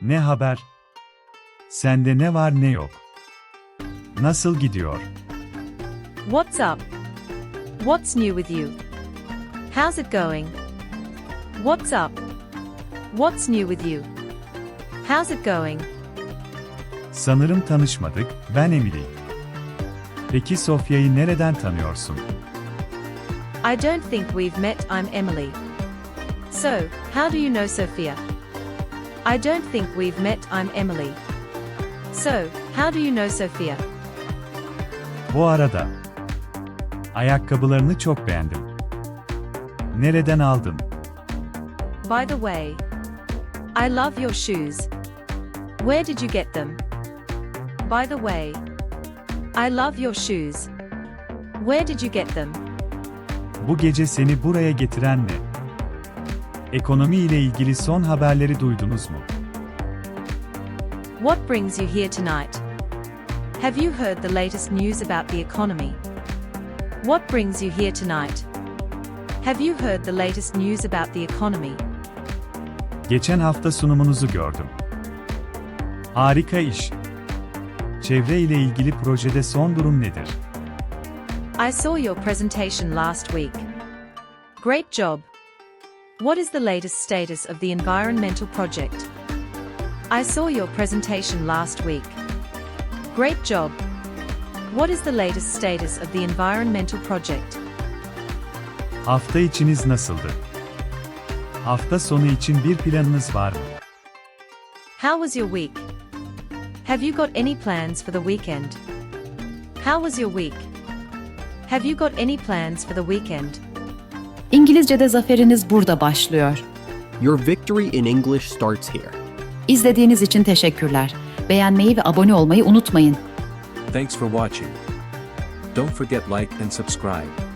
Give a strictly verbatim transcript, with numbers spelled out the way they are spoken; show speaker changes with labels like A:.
A: Ne haber? Sende ne var ne yok? Nasıl gidiyor?
B: What's up? What's new with you? How's it going? What's up? What's new with you? How's it going?
A: Sanırım tanışmadık, ben Emily. Peki Sofya'yı nereden tanıyorsun?
B: I don't think we've met, I'm Emily. So, how do you know Sophia? I don't think we've met, I'm Emily. So, how do you know Sophia?
A: Bu arada. Ayakkabılarını çok beğendim. Nereden aldın?
B: By the way, I love your shoes. Where did you get them? By the way, I love your shoes. Where did you get them?
A: Bu gece seni buraya getiren ne? Ekonomi ile ilgili son haberleri duydunuz mu?
B: What brings you here tonight? Have you heard the latest news about the economy? What brings you here tonight? Have you heard the latest news about the economy?
A: Geçen hafta sunumunuzu gördüm. Harika iş. Çevre ile ilgili projede son durum nedir?
B: I saw your presentation last week. Great job. What is the latest status of the environmental project? I saw your presentation last week. Great job. What is the latest status of the environmental project?
A: Hafta içiniz nasıldı? Hafta sonu için bir planınız var mı?
B: How was your week? Have you got any plans for the weekend? How was your week? Have you got any plans for the weekend?
C: İngilizce'de zaferiniz burada başlıyor.
D: Your victory in English starts here.
C: İzlediğiniz için teşekkürler. Beğenmeyi ve abone olmayı unutmayın.
E: Thanks for watching. Don't forget like and subscribe.